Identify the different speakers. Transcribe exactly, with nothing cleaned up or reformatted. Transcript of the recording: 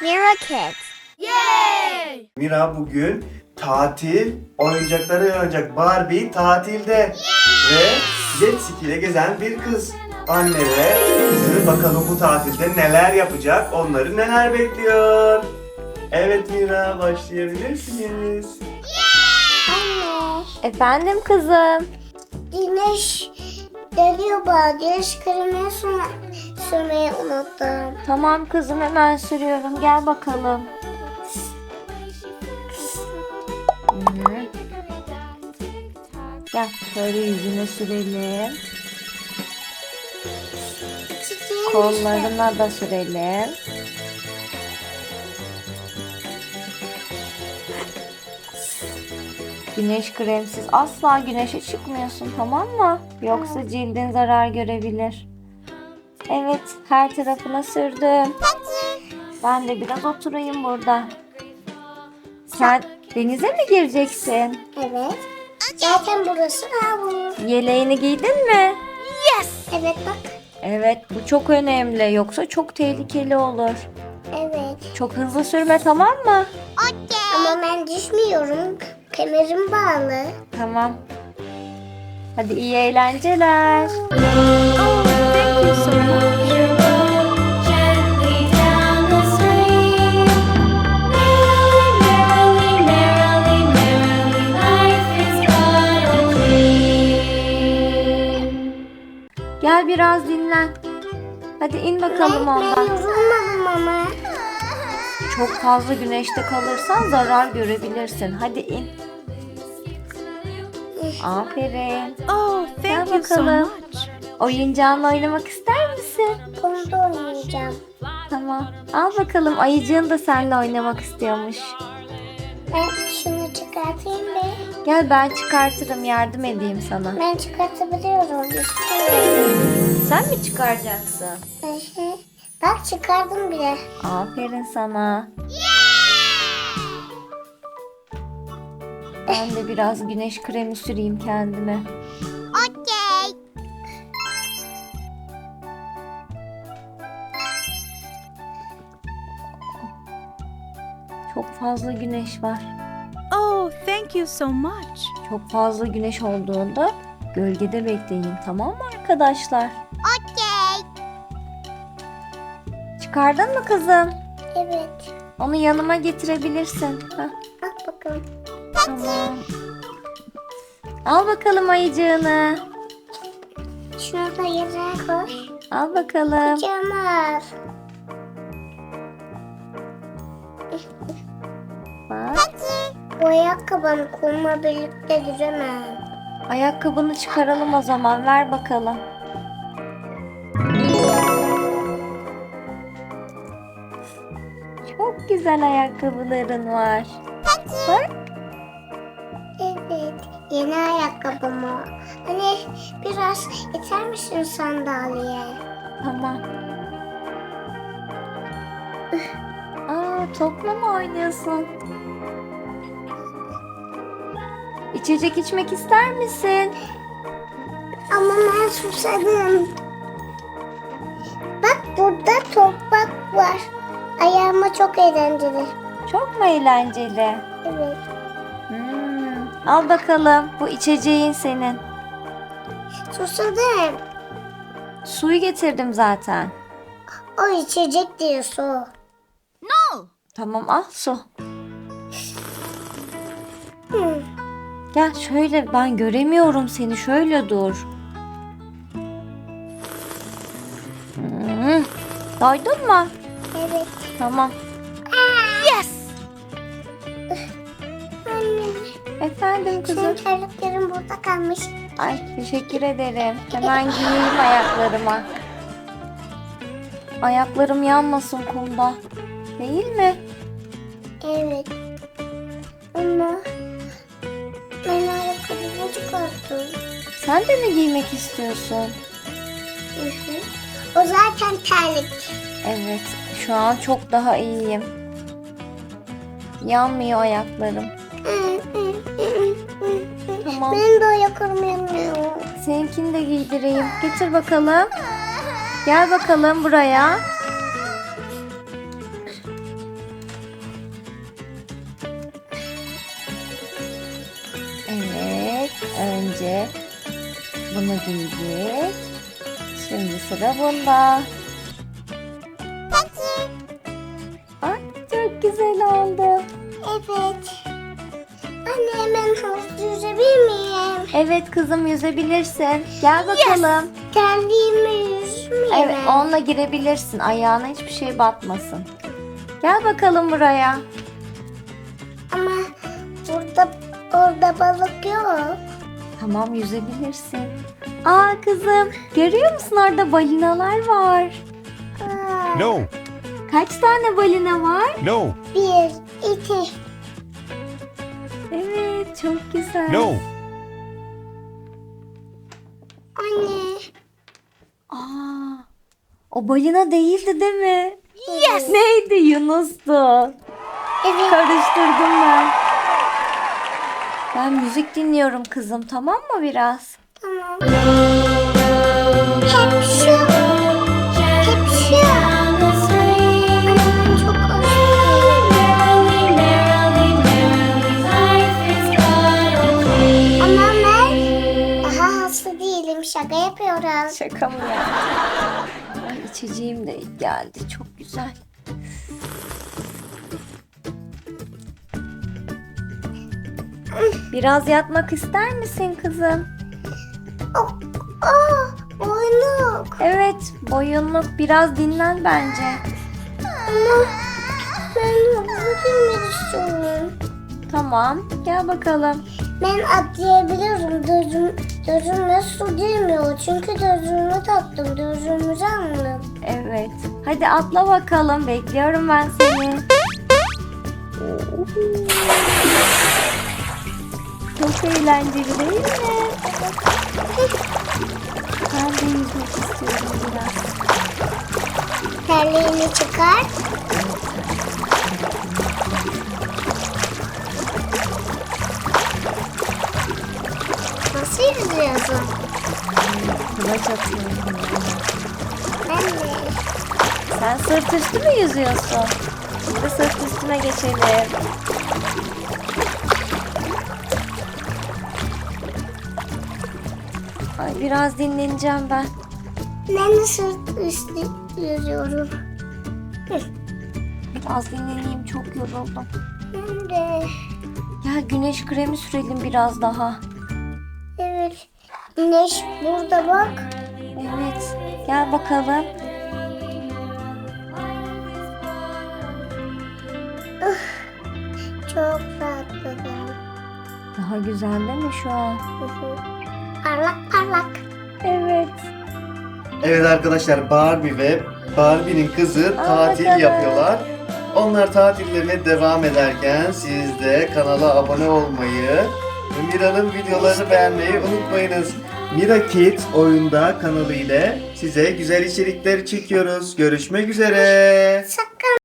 Speaker 1: Mira Kids.
Speaker 2: Yay!
Speaker 3: Mira bugün tatil oyuncakları oynayacak. Barbie tatilde. Ve jet ski ile gezen bir kız. Anne ve kızı bakalım bu tatilde neler yapacak, onları neler bekliyor. Evet Mira, başlayabilirsiniz.
Speaker 1: Anne,
Speaker 4: Efendim kızım.
Speaker 1: güneş geliyor bana. Güneş kremini sür sürmeyi unuttum.
Speaker 4: Tamam kızım, hemen sürüyorum. Gel bakalım. Hı. Gel şöyle yüzüne sürelim.
Speaker 1: Çiçeğim
Speaker 4: Kollarına da sürelim. Güneş kremsiz asla güneşe çıkmıyorsun, tamam mı? Yoksa cildin zarar görebilir. Evet, her tarafına sürdüm. Ben de biraz oturayım burada. Sen denize mi gireceksin?
Speaker 1: Evet. Zaten burası havuz.
Speaker 4: Yeleğini giydin mi?
Speaker 1: Evet bak.
Speaker 4: Evet, bu çok önemli. Yoksa çok tehlikeli olur.
Speaker 1: Evet.
Speaker 4: Çok hızlı sürme, tamam mı?
Speaker 1: Ama ben düşmüyorum. Kemerim bağlı.
Speaker 4: Tamam. Hadi iyi eğlenceler. Gel biraz dinlen. Hadi in bakalım
Speaker 1: Ben, ben
Speaker 4: ondan.
Speaker 1: yorulmadım ama.
Speaker 4: Çok fazla güneşte kalırsan zarar görebilirsin. Hadi in. Aferin.
Speaker 2: Oh,
Speaker 4: Gel
Speaker 2: thank you so
Speaker 4: bakalım.
Speaker 2: much.
Speaker 4: Oyuncağınla oynamak ister misin?
Speaker 1: Konuda oynayacağım.
Speaker 4: Tamam. Al bakalım, ayıcığın da seninle oynamak istiyormuş.
Speaker 1: Ben şunu çıkartayım be.
Speaker 4: Gel ben çıkartırım, yardım edeyim sana.
Speaker 1: Ben çıkartabiliyorum. İstiyorum.
Speaker 4: Sen mi çıkaracaksın?
Speaker 1: Hı hı. Bak çıkardım bile.
Speaker 4: Aferin sana. Ben de biraz güneş kremi süreyim kendime.
Speaker 1: Okey.
Speaker 4: Çok fazla güneş var.
Speaker 2: Oh, thank you so much.
Speaker 4: Çok fazla güneş olduğunda gölgede bekleyin, tamam mı arkadaşlar?
Speaker 1: Okey.
Speaker 4: Çıkardın mı kızım?
Speaker 1: Evet.
Speaker 4: Onu yanıma getirebilirsin. Heh,
Speaker 1: Bak bakalım.
Speaker 4: tamam. Al bakalım ayıcığını.
Speaker 1: Şunu da yere koy.
Speaker 4: Al bakalım.
Speaker 1: Cemal.
Speaker 4: Bak.
Speaker 1: Bu ayakkabını kumla birlikte giremem.
Speaker 4: Ayakkabını çıkaralım o zaman. Ver bakalım. Çok güzel ayakkabıların var. Bak.
Speaker 1: Evet. Yeni ayakkabım o. Hani biraz iter misin sandalyeye?
Speaker 4: Tamam. Aa, topla mı oynuyorsun? İçecek içmek ister misin?
Speaker 1: Ama ben susadım. Bak burada toprak var. Ayağıma çok eğlenceli.
Speaker 4: Çok mu eğlenceli?
Speaker 1: Evet.
Speaker 4: Hmm. Al bakalım. Bu içeceğin senin.
Speaker 1: Susadım.
Speaker 4: Suyu getirdim zaten.
Speaker 1: O içecek diyor su.
Speaker 4: Tamam, al su.
Speaker 1: Hı.
Speaker 4: Gel şöyle, ben göremiyorum seni. Şöyle dur. Hmm. Doydun mu?
Speaker 1: Evet.
Speaker 4: Tamam.
Speaker 1: Anne.
Speaker 4: Efendim kızım.
Speaker 1: Senin terliklerin burada kalmış.
Speaker 4: Ay, teşekkür ederim. Hemen giyeyim ayaklarıma. Ayaklarım yanmasın kumda. Değil mi?
Speaker 1: Evet. Ama ben ayakkabımı çıkarttım.
Speaker 4: Sen de mi giymek istiyorsun?
Speaker 1: Hı hı. O zaten terlik.
Speaker 4: Evet. Şu an çok daha iyiyim. Yanmıyor ayaklarım. Tamam.
Speaker 1: Benim de ayaklarım yanıyor.
Speaker 4: Seninkini de giydireyim. Getir bakalım. Gel bakalım buraya. güzelce bunu giydik. Şimdi sıra bunda. Ay, çok güzel oldu.
Speaker 1: Evet. Anne hemen havuzda yüzebilir miyim?
Speaker 4: Evet kızım, yüzebilirsin. Gel bakalım.
Speaker 1: Terliğimi yüzmeyeyim.
Speaker 4: Evet, onunla girebilirsin. Ayağına hiçbir şey batmasın. Gel bakalım buraya.
Speaker 1: Ama burada orada balık yok.
Speaker 4: Tamam, yüzebilirsin. Aa kızım, görüyor musun orada balinalar var.
Speaker 1: Aa,
Speaker 5: No,
Speaker 4: Kaç tane balina var?
Speaker 5: no,
Speaker 1: Bir, iki.
Speaker 4: Evet, çok güzel.
Speaker 5: no.
Speaker 1: Anne.
Speaker 4: Aa, o balina değildi değil mi? Yes. Neydi? Yunus'tu.
Speaker 1: Evet.
Speaker 4: Karıştırdım ben. Ben müzik dinliyorum kızım, tamam mı biraz?
Speaker 1: Tamam. Hep şu. Hep şu. Anne ben çok özledim. Ama ben daha hasta değilim. Şaka yapıyoruz.
Speaker 4: Şaka mı ya? Ay, içeceğim de geldi, çok güzel. Biraz yatmak ister misin kızım?
Speaker 1: Oh, oh, boynuk.
Speaker 4: Evet, boyunluk, biraz dinlen bence.
Speaker 1: Ama ben havuza girmek istiyorum.
Speaker 4: Tamam, gel bakalım.
Speaker 1: Ben atlayabiliyorum. Gözüm, gözüme su girmiyor. Çünkü gözümü taktım. Gözümüzü aldım.
Speaker 4: Evet, hadi atla bakalım, bekliyorum ben seni. Çok eğlenceli değil mi? Ben de yüzmek istiyorum biraz.
Speaker 1: Terliğini çıkar. Nasıl yüzüyorsun?
Speaker 4: Kulaç atıyorum.
Speaker 1: Ben de.
Speaker 4: Sen sırt üstü mü yüzüyorsun? Şimdi sırt üstüne geçelim. Ay, biraz dinleneceğim ben.
Speaker 1: Ben de sırt üstü yüzüyorum.
Speaker 4: Biraz dinleneyim, çok yoruldum.
Speaker 1: Ben de.
Speaker 4: Ya güneş kremi sürelim biraz daha.
Speaker 1: Evet. Güneş burada bak.
Speaker 4: Evet, gel bakalım.
Speaker 1: Çok rahatladım.
Speaker 4: Daha güzel değil mi şu an?
Speaker 1: Hı hı. Parlak parlak.
Speaker 4: Evet.
Speaker 3: Evet arkadaşlar, Barbie ve Barbie'nin kızı
Speaker 4: Aa,
Speaker 3: tatil
Speaker 4: bakalım.
Speaker 3: yapıyorlar. Onlar tatillerine devam ederken siz de kanala abone olmayı ve Mira'nın videolarını beğenmeyi unutmayınız. Mira Kids oyunda kanalı ile size güzel içerikler çekiyoruz. Görüşmek üzere.
Speaker 1: Sakın